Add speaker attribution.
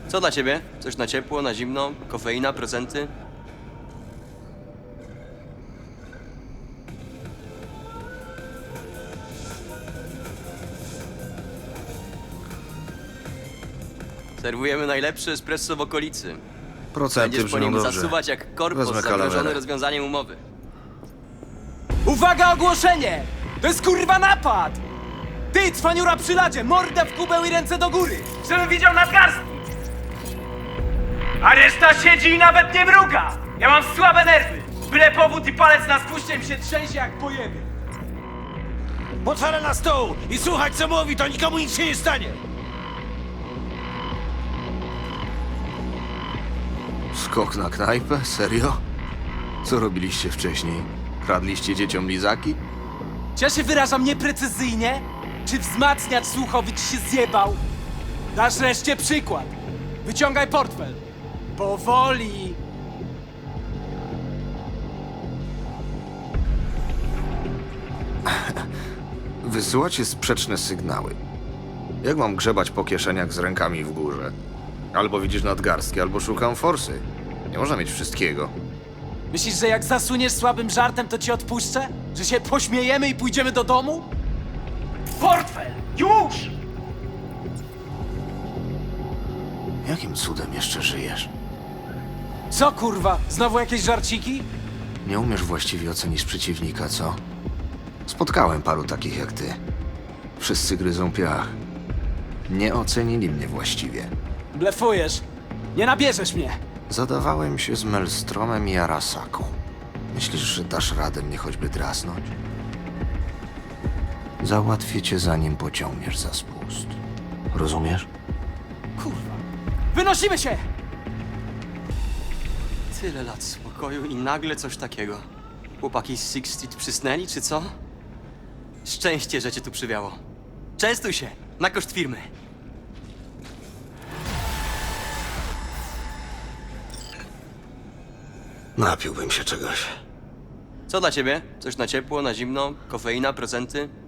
Speaker 1: Co dla ciebie? Coś na ciepło, na zimno? Kofeina, prezenty? Serwujemy najlepszy espresso w okolicy.
Speaker 2: Procenty
Speaker 1: Będziesz po
Speaker 2: brzmią
Speaker 1: nim
Speaker 2: dobrze.
Speaker 1: zasuwać jak korpus
Speaker 2: Wezmę
Speaker 1: zagrożony
Speaker 2: kalawerę.
Speaker 1: rozwiązaniem umowy.
Speaker 3: Uwaga, ogłoszenie! To jest kurwa napad! Ty, cwaniura przy ladzie, mordę w kubeł i ręce do góry! Żebym widział nadgarstki! A reszta siedzi i nawet nie mruga! Ja mam słabe nerwy! Byle powód i palec na spuście mi się trzęsie jak pojeby!
Speaker 4: Potwierę na stół i słuchać co mówi, to nikomu nic się nie stanie!
Speaker 2: Skok na knajpę? Serio? Co robiliście wcześniej? Kradliście dzieciom lizaki?
Speaker 3: Czy ja się wyrażam nieprecyzyjnie? Czy wzmacniacz słuchowy ci się zjebał? Dasz reszcie przykład. Wyciągaj portfel. Powoli.
Speaker 2: Wysyłacie sprzeczne sygnały. Jak mam grzebać po kieszeniach z rękami w górze? Albo widzisz nadgarstki, albo szukam forsy. Nie można mieć wszystkiego.
Speaker 3: Myślisz, że jak zasuniesz słabym żartem, to ci odpuszczę? Że się pośmiejemy i pójdziemy do domu? Portfel! Już!
Speaker 2: Jakim cudem jeszcze żyjesz?
Speaker 3: Co kurwa? Znowu jakieś żarciki?
Speaker 2: Nie umiesz właściwie ocenić przeciwnika, co? Spotkałem paru takich jak ty. Wszyscy gryzą piach. Nie ocenili mnie właściwie.
Speaker 3: Blefujesz. Nie nabierzesz mnie.
Speaker 2: Zadawałem się z Melstromem i Arasaką. Myślisz, że dasz radę mnie choćby drasnąć? Załatwię cię, zanim pociągniesz za spust. Rozumiesz?
Speaker 3: Kurwa. Wynosimy się!
Speaker 1: Tyle lat spokoju i nagle coś takiego. Chłopaki z Six Street przysnęli, czy co? Szczęście, że cię tu przywiało. Częstuj się, na koszt firmy.
Speaker 2: Napiłbym się czegoś.
Speaker 1: Co dla ciebie? Coś na ciepło, na zimno? Kofeina, prezenty?